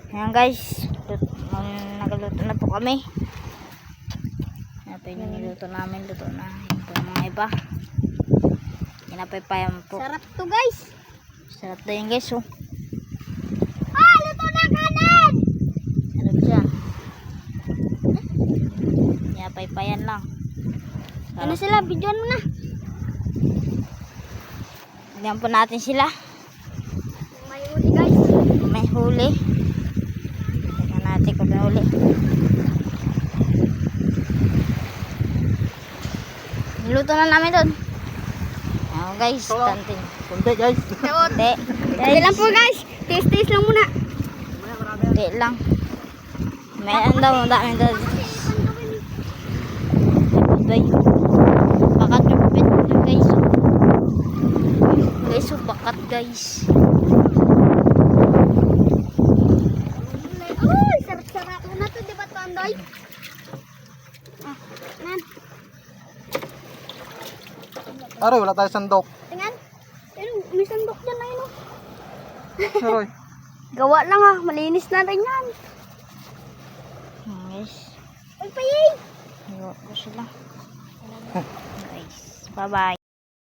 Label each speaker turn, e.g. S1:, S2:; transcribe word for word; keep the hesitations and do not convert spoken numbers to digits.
S1: Ayan guys, nagaluto na po kami. Ito yung niluto namin, luto na. Ito yung mga iba. Pinapaypayan po.
S2: Sarap to guys.
S1: Sarap na yun guys, oh.
S2: Ah, luto na kanin!
S1: Sarap siya. Pinapaypayan lang. Sarap.
S2: Ano sila? Bidyoan mo na.
S1: Tignan po natin sila.
S2: May uli guys.
S1: May huli. Tignan natin kung may huli. Niluto na namin doon. Ayan guys, tantin.
S3: Kunti guys.
S1: Kunti.
S2: Kunti lang po guys. Taste-taste lang muna.
S1: Kunti lang. May ano daw, dami daw. Bay. Bakat yung pipit nyo guys. Guys, so bakat guys.
S2: Uy, sarap-sarap na to, di ba Tandoy? Ah, nan.
S3: Aroy, wala tayo sandok.
S2: Tingnan. Pero may sandok dyan na yun. Oh.
S3: Aroy.
S2: Gawa lang ah. Malinis na rin yan.
S1: Ayan guys.
S2: Ay, payay.
S1: Iwa ko sila. Guys, bye bye.